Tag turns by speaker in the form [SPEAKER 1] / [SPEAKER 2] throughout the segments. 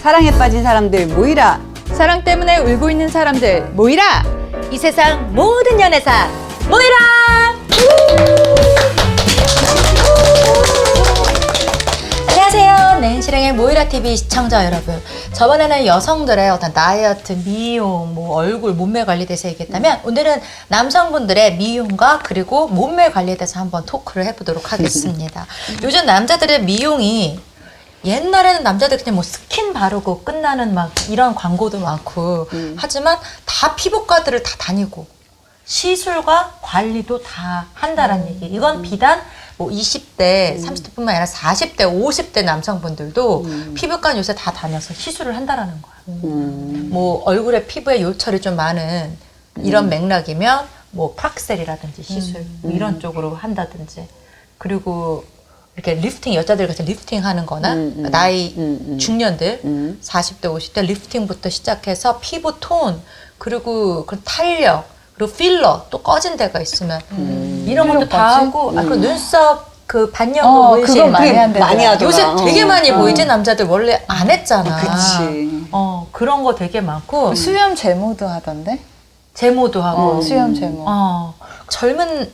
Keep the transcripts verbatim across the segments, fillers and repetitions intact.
[SPEAKER 1] 사랑에 빠진 사람들 모이라.
[SPEAKER 2] 사랑 때문에 울고 있는 사람들 모이라.
[SPEAKER 3] 이 세상 모든 연애사 모이라. 안녕하세요. 낸시랭의 모이라티비 시청자 여러분. 저번에는 여성들의 어떤 다이어트, 미용, 뭐 얼굴, 몸매 관리에 대해서 얘기했다면 오늘은 남성분들의 미용과 그리고 몸매 관리에 대해서 한번 토크를 해보도록 하겠습니다. 요즘 남자들의 미용이 옛날에는 남자들 그냥 뭐 스킨 바르고 끝나는 막 이런 광고도 많고 음. 하지만 다 피부과들을 다 다니고 시술과 관리도 다 한다라는 음. 얘기. 이건 비단 뭐 이십 대, 음. 삼십 대뿐만 아니라 사십 대, 오십 대 남성분들도 음. 피부과 요새 다 다녀서 시술을 한다라는 거야. 음. 뭐 얼굴에 피부에 요철이 좀 많은 이런 음. 맥락이면 뭐 프락셀이라든지 시술 음. 뭐 이런 쪽으로 한다든지 그리고 이렇게 리프팅, 여자들 같이 리프팅 하는 거나 음, 음, 나이 음, 음. 중년들 음. 사십 대, 오십 대 리프팅부터 시작해서 피부 톤 그리고 그 탄력 그리고 필러 또 꺼진 데가 있으면 음. 이런 것도 다 하고 음. 아, 그 눈썹 그 반영구
[SPEAKER 2] 어,
[SPEAKER 3] 문신
[SPEAKER 2] 그거 많이 한대더라.
[SPEAKER 1] 많이 하더라.
[SPEAKER 3] 요새 되게 많이
[SPEAKER 1] 어.
[SPEAKER 3] 보이지. 남자들 원래 안 했잖아.
[SPEAKER 1] 그치.
[SPEAKER 3] 어, 그런 거 되게 많고
[SPEAKER 2] 수염 제모도 하던데?
[SPEAKER 3] 제모도 하고
[SPEAKER 2] 어, 수염 제모.
[SPEAKER 3] 어, 젊은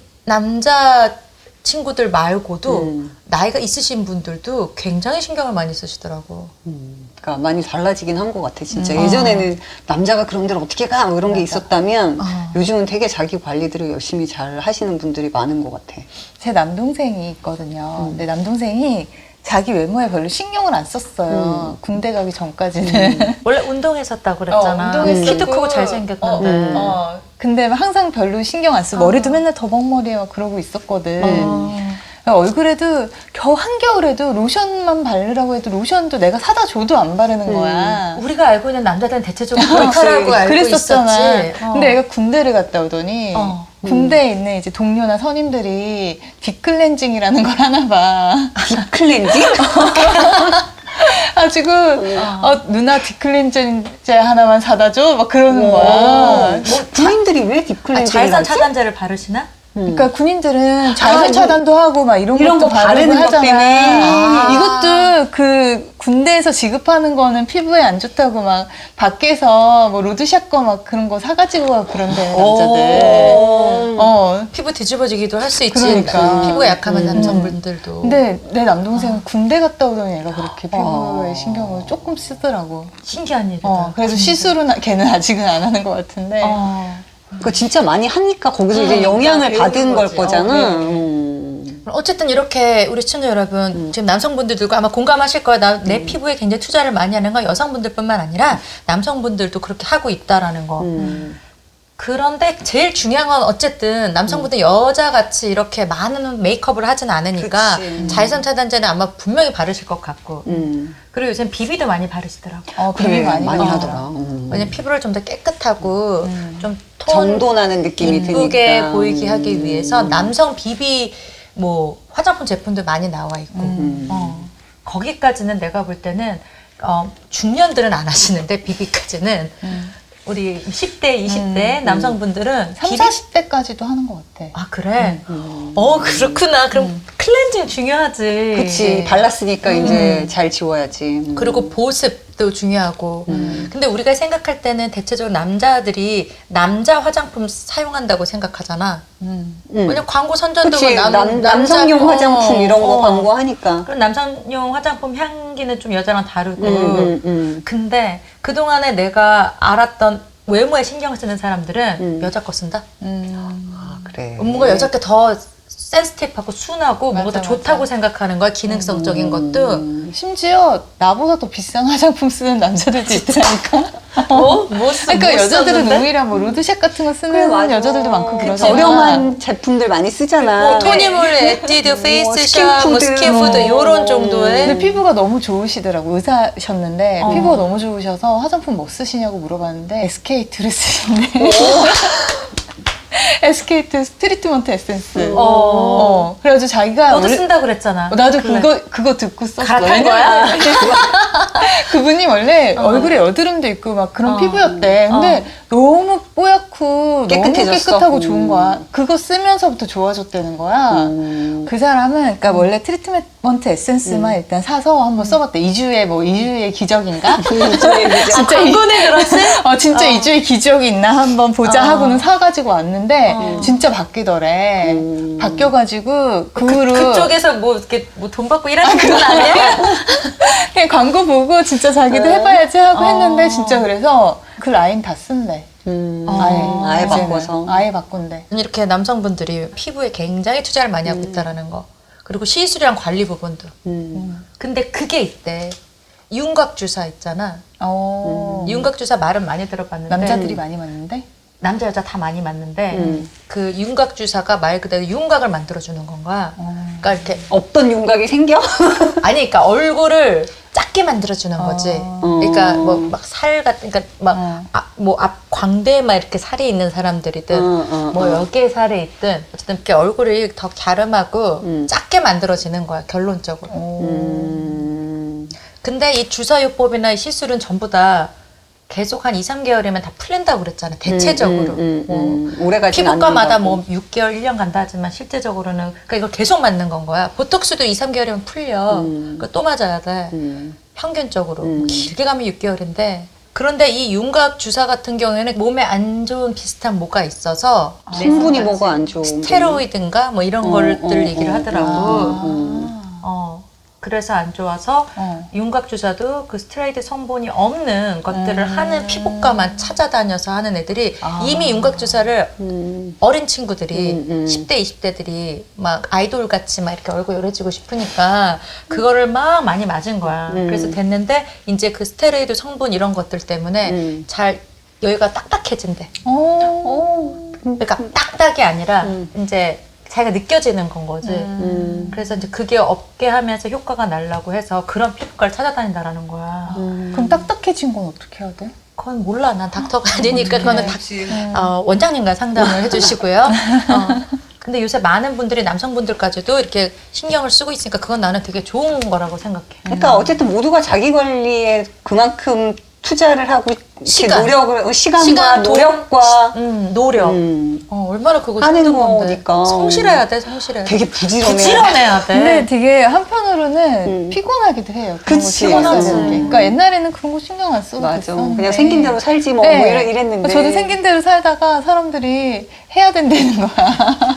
[SPEAKER 3] 남자 친구들 말고도
[SPEAKER 1] 음.
[SPEAKER 3] 나이가 있으신 분들도 굉장히 신경을 많이 쓰시더라고.
[SPEAKER 1] 음, 그러니까 많이 달라지긴 한 것 같아 진짜.
[SPEAKER 3] 음.
[SPEAKER 1] 예전에는 남자가 그런 데를 어떻게 가 뭐 이런 게 있었다면
[SPEAKER 3] 어.
[SPEAKER 1] 요즘은 되게 자기 관리들을 열심히 잘 하시는 분들이 많은 것 같아.
[SPEAKER 2] 제 남동생이 있거든요.
[SPEAKER 1] 음.
[SPEAKER 2] 근데 남동생이 자기 외모에 별로 신경을 안 썼어요.
[SPEAKER 1] 음.
[SPEAKER 2] 군대 가기 전까지는.
[SPEAKER 1] 음.
[SPEAKER 3] 원래 운동했었다고 그랬잖아.
[SPEAKER 2] 어, 운동했었고.
[SPEAKER 3] 키도 크고 잘생겼는데.
[SPEAKER 2] 어, 어. 근데 항상 별로 신경 안 쓰고
[SPEAKER 3] 어.
[SPEAKER 2] 머리도 맨날 더벅머리에 막 그러고 있었거든.
[SPEAKER 3] 어.
[SPEAKER 2] 얼굴에도 겨 한겨울에도 로션만 바르라고 해도 로션도 내가 사다 줘도 안 바르는 거야.
[SPEAKER 3] 우리가 알고 있는 남자들은 대체적으로 그렇다라고 알고
[SPEAKER 2] 그랬었잖아.
[SPEAKER 3] 있었지. 어.
[SPEAKER 2] 근데 얘가 군대를 갔다 오더니
[SPEAKER 3] 어.
[SPEAKER 2] 군대에 있는 이제 동료나 선임들이 딥클렌징이라는 걸 하나 봐.
[SPEAKER 1] 딥클렌징?
[SPEAKER 2] 아 지금 어, 누나 딥클렌징제 하나만 사다 줘? 막 그러는
[SPEAKER 1] 오.
[SPEAKER 2] 거야.
[SPEAKER 1] 뭐 군인들이 왜
[SPEAKER 3] 아,
[SPEAKER 1] 딥클렌징을
[SPEAKER 3] 자외선
[SPEAKER 1] 하지?
[SPEAKER 3] 차단제를 바르시나?
[SPEAKER 2] 그러니까 군인들은 자외선
[SPEAKER 1] 아,
[SPEAKER 2] 차단도 하고 막 이런,
[SPEAKER 1] 이런
[SPEAKER 2] 것도
[SPEAKER 1] 거
[SPEAKER 2] 바르고
[SPEAKER 1] 바르는 것
[SPEAKER 2] 하잖아.
[SPEAKER 1] 때문에.
[SPEAKER 2] 아. 이것도 그 군대에서 지급하는 거는 피부에 안 좋다고 막 밖에서 뭐 로드샵 거 막 그런 거 사가지고 가고 그런데 남자들.
[SPEAKER 3] 오.
[SPEAKER 2] 어.
[SPEAKER 3] 피부 뒤집어지기도 할 수 있지.
[SPEAKER 2] 그러니까.
[SPEAKER 3] 피부가 약하면
[SPEAKER 2] 음.
[SPEAKER 3] 남성분들도.
[SPEAKER 2] 근데 내 남동생은 군대 갔다 오더니 얘가 그렇게 피부에
[SPEAKER 1] 어.
[SPEAKER 2] 신경을 조금 쓰더라고.
[SPEAKER 3] 신기한 일이다.
[SPEAKER 2] 어, 그래서 시술은 걔는 아직은 안 하는 것 같은데.
[SPEAKER 3] 어.
[SPEAKER 1] 그거 진짜 많이 하니까 거기서 이제
[SPEAKER 3] 음,
[SPEAKER 1] 영향을
[SPEAKER 3] 배우는
[SPEAKER 1] 받은 걸
[SPEAKER 3] 거지.
[SPEAKER 1] 거잖아.
[SPEAKER 2] 어, 네.
[SPEAKER 1] 음.
[SPEAKER 3] 어쨌든 이렇게 우리 시청자 여러분
[SPEAKER 1] 음.
[SPEAKER 3] 지금 남성분들도 아마 공감하실 거야. 나, 내 피부에 굉장히 투자를 많이 하는 건 여성분들뿐만 아니라 남성분들도 그렇게 하고 있다라는 거.
[SPEAKER 1] 음.
[SPEAKER 3] 그런데 제일 중요한 건 어쨌든 남성분들 여자같이 이렇게 많은 메이크업을 하진 않으니까
[SPEAKER 1] 그치.
[SPEAKER 3] 자외선 차단제는 아마 분명히 바르실 것 같고
[SPEAKER 1] 음.
[SPEAKER 3] 그리고 요즘 비비도 많이 바르시더라고.
[SPEAKER 2] 어,
[SPEAKER 1] 그래,
[SPEAKER 2] 비비 많이,
[SPEAKER 1] 많이
[SPEAKER 2] 받아.
[SPEAKER 1] 하더라. 음.
[SPEAKER 3] 왜냐면 피부를 좀 더 깨끗하고
[SPEAKER 2] 음.
[SPEAKER 3] 좀 톤
[SPEAKER 1] 정돈하는 느낌이
[SPEAKER 3] 이쁘게
[SPEAKER 1] 드니까.
[SPEAKER 3] 보이게 하기 위해서
[SPEAKER 1] 음.
[SPEAKER 3] 남성 비비 뭐 화장품 제품도 많이 나와 있고
[SPEAKER 1] 음.
[SPEAKER 3] 어, 거기까지는 내가 볼 때는 어, 중년들은 안 하시는데 비비까지는
[SPEAKER 2] 음.
[SPEAKER 3] 우리 십 대, 이십 대
[SPEAKER 1] 음.
[SPEAKER 3] 남성분들은
[SPEAKER 2] 삼,
[SPEAKER 3] 비비
[SPEAKER 2] 사십 대까지도 하는 것 같아.
[SPEAKER 3] 아 그래?
[SPEAKER 1] 음.
[SPEAKER 3] 어 그렇구나. 그럼
[SPEAKER 2] 음.
[SPEAKER 3] 클렌징 중요하지.
[SPEAKER 1] 그치. 발랐으니까 이제 잘 지워야지. 음.
[SPEAKER 3] 그리고 보습도 중요하고.
[SPEAKER 1] 음.
[SPEAKER 3] 근데 우리가 생각할 때는 대체적으로 남자들이 남자 화장품 사용한다고 생각하잖아.
[SPEAKER 2] 음.
[SPEAKER 1] 음.
[SPEAKER 3] 왜냐면 광고 선전도
[SPEAKER 1] 그치.
[SPEAKER 3] 남,
[SPEAKER 1] 남,
[SPEAKER 3] 남자-
[SPEAKER 1] 남성용
[SPEAKER 3] 어,
[SPEAKER 1] 화장품 이런 거
[SPEAKER 3] 어.
[SPEAKER 1] 광고하니까.
[SPEAKER 3] 그럼 남성용 화장품 향기는 좀 여자랑 다르고.
[SPEAKER 1] 음, 음, 음.
[SPEAKER 3] 근데 그동안에 내가 알았던 외모에 신경 쓰는 사람들은
[SPEAKER 1] 음.
[SPEAKER 3] 여자 거 쓴다?
[SPEAKER 2] 음.
[SPEAKER 1] 아, 그래.
[SPEAKER 3] 뭔가 여자 게 더 센스티브하고 순하고 뭔가 더
[SPEAKER 2] 맞아,
[SPEAKER 3] 좋다고
[SPEAKER 2] 맞아.
[SPEAKER 3] 생각하는 거야. 기능성적인
[SPEAKER 1] 음.
[SPEAKER 3] 것도.
[SPEAKER 2] 심지어 나보다 더 비싼 화장품 쓰는 남자들도 있더라니까.
[SPEAKER 3] 어? 뭐 쓰,
[SPEAKER 2] 그러니까
[SPEAKER 3] 뭐
[SPEAKER 2] 여자들은
[SPEAKER 3] 썼는데?
[SPEAKER 2] 오히려 뭐 로드샵 같은 거 쓰는
[SPEAKER 1] 그래, 맞아.
[SPEAKER 2] 여자들도 많고
[SPEAKER 1] 그치.
[SPEAKER 2] 그러잖아.
[SPEAKER 1] 저렴한 제품들 많이 쓰잖아.
[SPEAKER 3] 뭐 토니몰, 에뛰드, 페이스샵, 뭐
[SPEAKER 1] 스킨푸드,
[SPEAKER 3] 스킨푸드
[SPEAKER 1] 뭐.
[SPEAKER 3] 요런 정도의.
[SPEAKER 2] 근데 피부가 너무 좋으시더라고. 의사셨는데
[SPEAKER 3] 어.
[SPEAKER 2] 피부가 너무 좋으셔서 화장품 뭐 쓰시냐고 물어봤는데 에스케이트를 쓰신대. 에스케이트 트리트먼트 에센스.
[SPEAKER 3] 어.
[SPEAKER 2] 어. 그래가지고 자기가
[SPEAKER 3] 너도
[SPEAKER 2] 원래-
[SPEAKER 3] 쓴다 그랬잖아.
[SPEAKER 2] 어, 나도
[SPEAKER 3] 그래.
[SPEAKER 2] 그거 그거 듣고 썼어.
[SPEAKER 3] 갈아탄 거야?
[SPEAKER 2] 그분이 원래
[SPEAKER 3] 어.
[SPEAKER 2] 얼굴에 여드름도 있고 막 그런
[SPEAKER 3] 어.
[SPEAKER 2] 피부였대. 근데
[SPEAKER 3] 어.
[SPEAKER 2] 너무 뽀얗고 좋고
[SPEAKER 1] 깨끗해졌어?
[SPEAKER 2] 너무 깨끗하고
[SPEAKER 1] 음.
[SPEAKER 2] 좋은 거야. 그거 쓰면서부터 좋아졌다는 거야.
[SPEAKER 1] 음.
[SPEAKER 2] 그 사람은 그러니까 원래 트리트먼트 에센스만 일단 사서 한번 써봤대. 이 주에 뭐 이 주의 기적인가?
[SPEAKER 3] 아, 광고네 들었어?
[SPEAKER 2] 어 진짜 이 주의 기적이 있나 한번 보자
[SPEAKER 3] 어.
[SPEAKER 2] 하고는 사가지고 왔는데
[SPEAKER 3] 어.
[SPEAKER 2] 진짜 바뀌더래.
[SPEAKER 1] 음.
[SPEAKER 2] 바뀌어가지고 그 후로
[SPEAKER 3] 그쪽에서 뭐 이렇게 뭐 돈 받고 일하는 건 아니야?
[SPEAKER 2] 그냥 광고 보고 진짜 자기도
[SPEAKER 3] 네.
[SPEAKER 2] 해봐야지 하고
[SPEAKER 3] 어.
[SPEAKER 2] 했는데 진짜 그래서 그 라인 다 쓴대.
[SPEAKER 1] 음.
[SPEAKER 3] 어.
[SPEAKER 2] 아예
[SPEAKER 1] 아예
[SPEAKER 2] 이제는.
[SPEAKER 1] 바꿔서.
[SPEAKER 2] 아예 바꾼대.
[SPEAKER 3] 이렇게 남성분들이 피부에 굉장히 투자를 많이 하고 있다라는 거. 그리고 시술이랑 관리 부분도.
[SPEAKER 1] 음.
[SPEAKER 3] 근데 그게 있대. 윤곽 주사 있잖아.
[SPEAKER 2] 어.
[SPEAKER 3] 윤곽 주사 말은 많이 들어봤는데
[SPEAKER 2] 남자들이 많이 맞는데?
[SPEAKER 3] 남자 여자 다 많이 맞는데
[SPEAKER 1] 음.
[SPEAKER 3] 그 윤곽 주사가 말 그대로 윤곽을 만들어 주는 건가?
[SPEAKER 2] 어.
[SPEAKER 3] 그러니까 이렇게
[SPEAKER 1] 없던 윤곽이 생겨?
[SPEAKER 3] 아니 그러니까 얼굴을 작게 만들어 주는 거지.
[SPEAKER 2] 어.
[SPEAKER 3] 그러니까 뭐 막 살 같은 그러니까
[SPEAKER 2] 어.
[SPEAKER 3] 막 뭐 앞 광대에 막 이렇게 살이 있는 사람들이든
[SPEAKER 1] 어, 어,
[SPEAKER 3] 뭐
[SPEAKER 1] 어.
[SPEAKER 3] 여기에 살이 있든 어쨌든 이렇게 얼굴이 더 갸름하고
[SPEAKER 1] 음.
[SPEAKER 3] 작게 만들어지는 거야 결론적으로.
[SPEAKER 1] 음.
[SPEAKER 3] 근데 이 주사요법이나 이 시술은 전부 다 계속 한 이, 삼 개월이면 다 풀린다고 그랬잖아. 대체적으로.
[SPEAKER 1] 음, 음,
[SPEAKER 3] 뭐
[SPEAKER 1] 음, 음. 오래 가진
[SPEAKER 3] 피부과마다
[SPEAKER 1] 않는다고.
[SPEAKER 3] 뭐 육 개월, 일 년 간다 하지만 실제적으로는 그러니까 이걸 계속 맞는 건 거야. 보톡스도 이, 삼 개월이면 풀려.
[SPEAKER 1] 음.
[SPEAKER 3] 그거 또 맞아야 돼.
[SPEAKER 1] 음.
[SPEAKER 3] 평균적으로.
[SPEAKER 1] 음.
[SPEAKER 3] 길게 가면 육 개월인데 그런데 이 윤곽 주사 같은 경우에는 몸에 안 좋은 비슷한 뭐가 있어서
[SPEAKER 1] 성분이 뭐가 안 좋은
[SPEAKER 3] 스테로이드인가 뭐 이런
[SPEAKER 1] 어,
[SPEAKER 3] 것들
[SPEAKER 1] 어,
[SPEAKER 3] 얘기를
[SPEAKER 1] 어,
[SPEAKER 3] 하더라고.
[SPEAKER 2] 아.
[SPEAKER 1] 음.
[SPEAKER 3] 어. 그래서 안 좋아서
[SPEAKER 2] 어.
[SPEAKER 3] 윤곽 주사도 그 스테로이드 성분이 없는 것들을
[SPEAKER 2] 음.
[SPEAKER 3] 하는 피부과만 찾아다녀서 하는 애들이
[SPEAKER 2] 아.
[SPEAKER 3] 이미 윤곽 주사를
[SPEAKER 1] 음.
[SPEAKER 3] 어린 친구들이
[SPEAKER 1] 음, 음.
[SPEAKER 3] 십 대, 이십 대들이 막 아이돌 같이 막 이렇게 얼굴 요래지고 싶으니까 그거를 막 많이 맞은 거야.
[SPEAKER 1] 음.
[SPEAKER 3] 그래서 됐는데 이제 그 스테로이드 성분 이런 것들 때문에
[SPEAKER 1] 음.
[SPEAKER 3] 잘 여기가 딱딱해진대.
[SPEAKER 2] 어.
[SPEAKER 3] 그러니까 딱딱이 아니라
[SPEAKER 1] 음.
[SPEAKER 3] 이제 자기가 느껴지는 건 거지.
[SPEAKER 1] 음.
[SPEAKER 3] 그래서 이제 그게 없게 하면서 효과가 날라고 해서 그런 피부과를 찾아다닌다라는 거야.
[SPEAKER 1] 음.
[SPEAKER 2] 그럼 딱딱해진 건 어떻게 해야 돼?
[SPEAKER 3] 그건 몰라. 난 닥터가 아니니까 그거는 닥,
[SPEAKER 2] 음.
[SPEAKER 3] 어, 원장님과 상담을 해주시고요. 어. 근데 요새 많은 분들이 남성분들까지도 이렇게 신경을 쓰고 있으니까 그건 나는 되게 좋은 거라고 생각해.
[SPEAKER 1] 그러니까 어쨌든 모두가 자기 관리에 그만큼 투자를 하고 이렇게
[SPEAKER 3] 시간.
[SPEAKER 1] 노력을 시간과
[SPEAKER 3] 시간, 돈,
[SPEAKER 1] 노력과
[SPEAKER 3] 음, 노력.
[SPEAKER 1] 음.
[SPEAKER 3] 어, 얼마나 그거
[SPEAKER 1] 하는
[SPEAKER 3] 힘든 건데.
[SPEAKER 1] 거니까.
[SPEAKER 3] 성실해야 돼, 성실해야 돼.
[SPEAKER 1] 되게 부지런해.
[SPEAKER 3] 부지런해야 돼.
[SPEAKER 2] 근데 되게 한편으로는
[SPEAKER 1] 음.
[SPEAKER 2] 피곤하기도 해요. 그런 거
[SPEAKER 1] 그치.
[SPEAKER 2] 신경 써야
[SPEAKER 3] 피곤하지.
[SPEAKER 2] 되는 게. 그러니까 옛날에는 그런 거 신경 안 써도
[SPEAKER 1] 맞아.
[SPEAKER 2] 됐었는데.
[SPEAKER 1] 그냥 생긴 대로 살지 뭐,
[SPEAKER 2] 네.
[SPEAKER 1] 뭐 이래, 이랬는데.
[SPEAKER 2] 저도 생긴 대로 살다가 사람들이 해야 된다는 거야.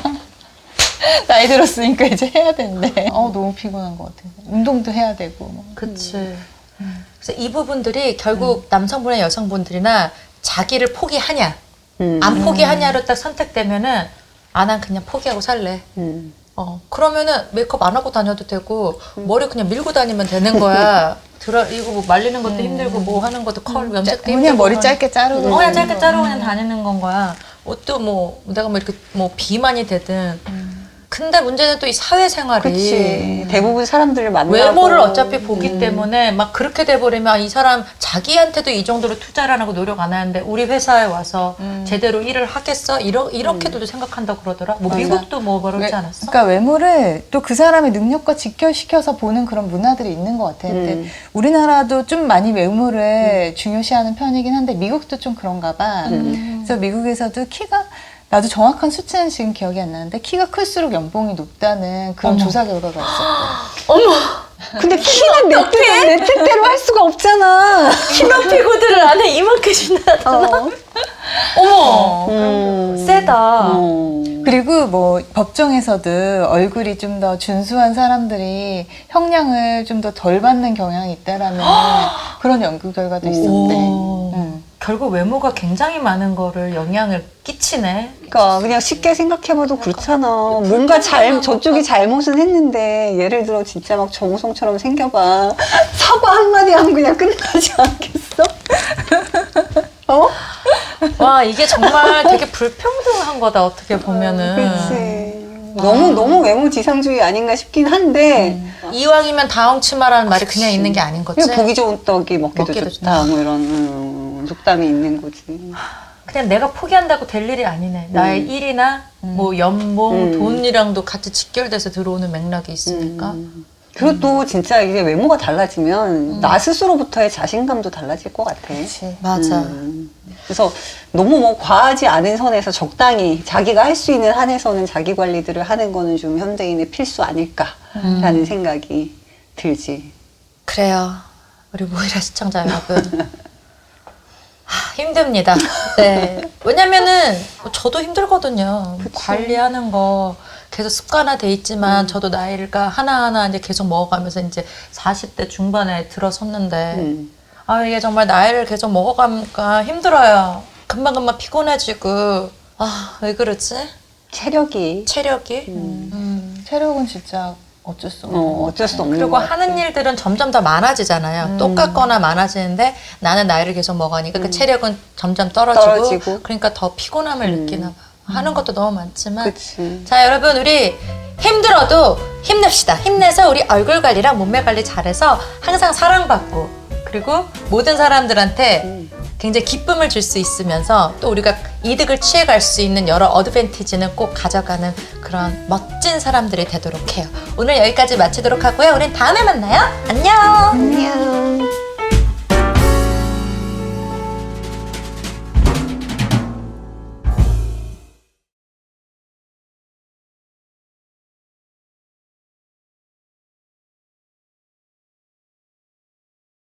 [SPEAKER 2] 나이 들었으니까 이제 해야 된대. 어 너무 피곤한 것 같아. 운동도 해야 되고. 뭐.
[SPEAKER 3] 그치. 그래서 이 부분들이 결국 남성분이나 여성분들이나 자기를 포기하냐,
[SPEAKER 1] 음.
[SPEAKER 3] 안 포기하냐로 딱 선택되면은, 아, 난 그냥 포기하고 살래.
[SPEAKER 1] 음.
[SPEAKER 3] 어, 그러면은 메이크업 안 하고 다녀도 되고, 머리 그냥 밀고 다니면 되는 거야. 들어, 이거 뭐 말리는 것도 힘들고, 뭐 하는 것도 컬, 염색도 힘들고.
[SPEAKER 2] 그냥 머리
[SPEAKER 3] 하는-
[SPEAKER 2] 짧게 자르고.
[SPEAKER 3] 어, 그냥 짧게 자르고 그냥 다니는 건 거야. 옷도 뭐, 내가 뭐 이렇게 뭐 비만이 되든. 근데 문제는 또 이 사회생활이.
[SPEAKER 1] 그치. 대부분 사람들을 만나고.
[SPEAKER 3] 외모를 어차피 보기 때문에 막 그렇게 돼버리면 이 사람 자기한테도 이 정도로 투자를 안 하고 노력 안 하는데 우리 회사에 와서 제대로 일을 하겠어? 이러, 이렇게도 생각한다고 그러더라. 뭐
[SPEAKER 2] 맞아.
[SPEAKER 3] 미국도 뭐 그러지
[SPEAKER 2] 외-
[SPEAKER 3] 않았어?
[SPEAKER 2] 그러니까 외모를 또 그 사람의 능력과 직결시켜서 보는 그런 문화들이 있는 것 같아. 근데
[SPEAKER 1] 음.
[SPEAKER 2] 우리나라도 좀 많이 외모를 중요시하는 편이긴 한데 미국도 좀 그런가 봐.
[SPEAKER 1] 음.
[SPEAKER 2] 그래서 미국에서도 키가 나도 정확한 수치는 지금 기억이 안 나는데 키가 클수록 연봉이 높다는 그런
[SPEAKER 3] 어머.
[SPEAKER 2] 조사 결과가 있었대.
[SPEAKER 3] 어머!
[SPEAKER 1] 근데 키는 내 뜻대로, 내 뜻대로 할 수가 없잖아.
[SPEAKER 3] 키높이 구두를 안에 이만큼 신나잖아.
[SPEAKER 1] 어.
[SPEAKER 3] 어머!
[SPEAKER 1] 음.
[SPEAKER 3] 세다.
[SPEAKER 1] 어.
[SPEAKER 2] 그리고 뭐 법정에서도 얼굴이 좀 더 준수한 사람들이 형량을 좀 더 덜 받는 경향이 있다라는 그런 연구 결과도 있었대.
[SPEAKER 3] 오.
[SPEAKER 2] 응.
[SPEAKER 3] 결국 외모가 굉장히 많은 거를 영향을 끼치네.
[SPEAKER 1] 그러니까 그냥 쉽게 생각해봐도 그렇잖아. 뭔가 잘 저쪽이 잘못은 했는데 예를 들어 진짜 막 정우성처럼 생겨봐. 사과 한마디 하면 그냥 끝나지 않겠어? 어?
[SPEAKER 3] 와, 이게 정말 되게 불평등한 거다, 어떻게 보면은.
[SPEAKER 1] 그렇지. 너무 너무 외모 지상주의 아닌가 싶긴 한데
[SPEAKER 3] 이왕이면 다홍치마라는 말이 그냥
[SPEAKER 1] 그치.
[SPEAKER 3] 있는 게 아닌 거지.
[SPEAKER 1] 그냥 보기 좋은 떡이 먹기도,
[SPEAKER 3] 먹기도
[SPEAKER 1] 좋다. 뭐 이런 음, 속담이 있는 거지.
[SPEAKER 3] 그냥 내가 포기한다고 될 일이 아니네. 나의 일이나 뭐 연봉,
[SPEAKER 1] 음.
[SPEAKER 3] 돈이랑도 같이 직결돼서 들어오는 맥락이 있으니까.
[SPEAKER 1] 음. 그리고 또 진짜 이게 외모가 달라지면 나 스스로부터의 자신감도 달라질 것 같아.
[SPEAKER 2] 그치.
[SPEAKER 3] 맞아.
[SPEAKER 1] 음. 그래서 너무 뭐 과하지 않은 선에서 적당히 자기가 할 수 있는 한에서는 자기 관리들을 하는 거는 좀 현대인의 필수 아닐까라는
[SPEAKER 3] 음.
[SPEAKER 1] 생각이 들지.
[SPEAKER 3] 그래요. 우리 모이라 시청자 여러분. 하, 힘듭니다. 네. 왜냐면은 저도 힘들거든요. 관리하는 거 계속 습관화돼 있지만 저도 나이가 하나하나 이제 계속 먹어가면서 이제 사십 대 중반에 들어섰는데
[SPEAKER 1] 음.
[SPEAKER 3] 아 이게 정말 나이를 계속 먹어가니까 힘들어요. 금방금방 피곤해지고 아 왜 그러지?
[SPEAKER 1] 체력이
[SPEAKER 3] 체력이
[SPEAKER 1] 음.
[SPEAKER 3] 음.
[SPEAKER 2] 체력은 진짜 어쩔 수 없는
[SPEAKER 1] 어,
[SPEAKER 2] 것
[SPEAKER 1] 어쩔 수 없는
[SPEAKER 3] 그리고
[SPEAKER 1] 것 같아.
[SPEAKER 3] 하는 일들은 점점 더 많아지잖아요.
[SPEAKER 2] 음.
[SPEAKER 3] 똑같거나 많아지는데 나는 나이를 계속 먹으니까 그 체력은 점점 떨어지고,
[SPEAKER 1] 떨어지고.
[SPEAKER 3] 그러니까 더 피곤함을
[SPEAKER 1] 음.
[SPEAKER 3] 느끼나 봐. 하는 것도 너무 많지만
[SPEAKER 1] 그치.
[SPEAKER 3] 자 여러분 우리 힘들어도 힘냅시다. 힘내서 우리 얼굴 관리랑 몸매 관리 잘해서 항상 사랑받고 그리고 모든 사람들한테
[SPEAKER 1] 음.
[SPEAKER 3] 굉장히 기쁨을 줄 수 있으면서 또 우리가 이득을 취해갈 수 있는 여러 어드밴티지는 꼭 가져가는 그런 멋진 사람들이 되도록 해요. 오늘 여기까지 마치도록 하고요. 우린 다음에 만나요. 안녕.
[SPEAKER 1] 안녕.